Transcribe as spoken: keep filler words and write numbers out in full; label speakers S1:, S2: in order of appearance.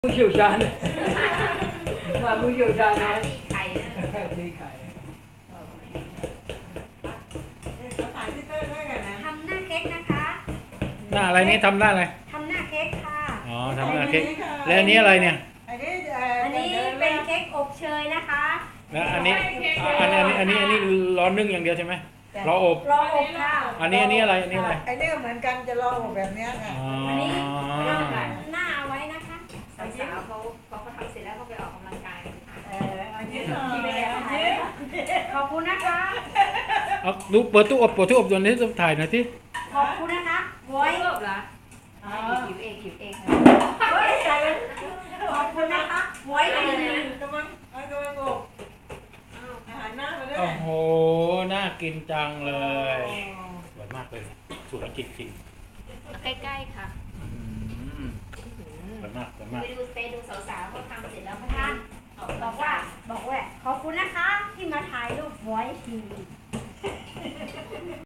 S1: ผู้เชี่ยวชาญมาผู้เชี่ยวชาญนะ
S2: ตีไข่นะ
S1: ตีไข่
S2: ทำหน้าเค้กนะคะ
S3: หน้าอะไรนี่ทำหน้าอะไร
S2: ทำหน้าเค้กค่ะ
S3: อ๋อทำหน้าเค้กแล้วอันนี้อะไรเนี่ย
S2: อันนี้เป็นเค้กอบเชยนะคะ
S3: แล้วอันนี้อันนี้อันนี้อันนี้อันนี้รอนึ่งอย่างเดียวใช่ไหมรออบ
S2: รออบค่ะ
S3: อันนี้อันนี้อะไรอันนี้อะไร
S4: ไอ้นี่ก็เหมือนกันจะลองแบบเนี้ยค่ะ
S3: อ๋อ
S2: อันนี้เราหน้าเอาไว้นะคะ
S5: สาวๆเขาเขาก็ทำเสร็จแล้วเขาไปออกกำลังกาย
S4: เอออันนี้หน่อย
S2: ที่ไม่ได้ถ่ายขอบคุณนะคะ
S3: เอาดูเปิดตู้อบเปิดตู้อบตัวนี้จะถ่ายหน่อยที่
S2: ขอบคุณนะคะไว้
S5: เลิกเหรอ
S2: หิวเองหิวเองขอบคุณนะคะไว้ดีนะ
S4: กำลังเอากำลังอบอาหารหน้ามาด้วย
S3: โอ้โหน่ากินจังเลยสวยมากเลยสวยจริง
S5: ใกล้ๆค่ะ
S3: ๆอืมสวยมากสวยมาก
S5: ไปดูไปดูสาวๆเขาทำเสร็จแล้วเขาท
S2: ท่านบอกว่าบอกว่าขอบคุณนะคะที่มาถ่ายรูปไว้ที